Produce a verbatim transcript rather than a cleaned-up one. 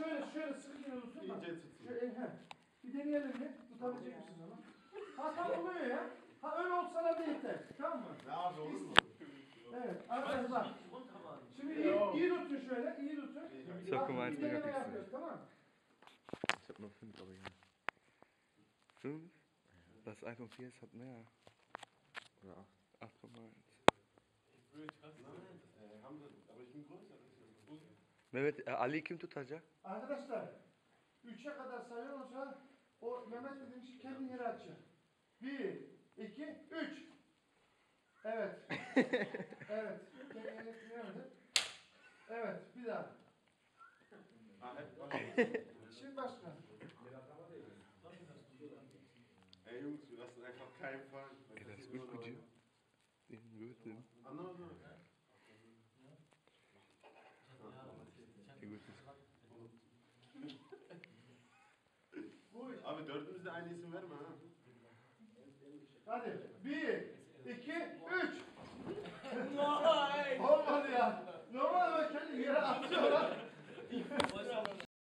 şöyle şöyle sıkı yine tutsun. İyice tutsun. Şöyle, he. Bir deneyelim bir. Tutabilecek misiniz ama? Ha tam oluyor ya. Ha öyle olsana da yeter. Tamam mı? Ne abi olur mu? Evet. Arkadaşlar. Şimdi iyi, iyi tutun şöyle. iyi tutun. Çok Bir romantik deneme yapıyorsun. yapıyoruz, tamam mı? Ich hab nur fünf, aber ja. Fünf? Das iPhone vier hat mehr. Oder acht? acht Komma eins. Mehmet, e, Ali kim tutacak? Arkadaşlar. Üçe kadar sayıyorum sonra o Mehmet dediğim şey kendini yere atacak. Bir, iki, üç. Evet. Evet. Kendini yere atacak. Evet. Bir daha. Şimdi başka. Ey Jungs, wir lassen einfach keinen fallen. Ey, das ist gut mit dir. Den Gürtel. Anlamadım. Den Gürtel. Abi dördümüz de aynı isim verme ha. Hadi.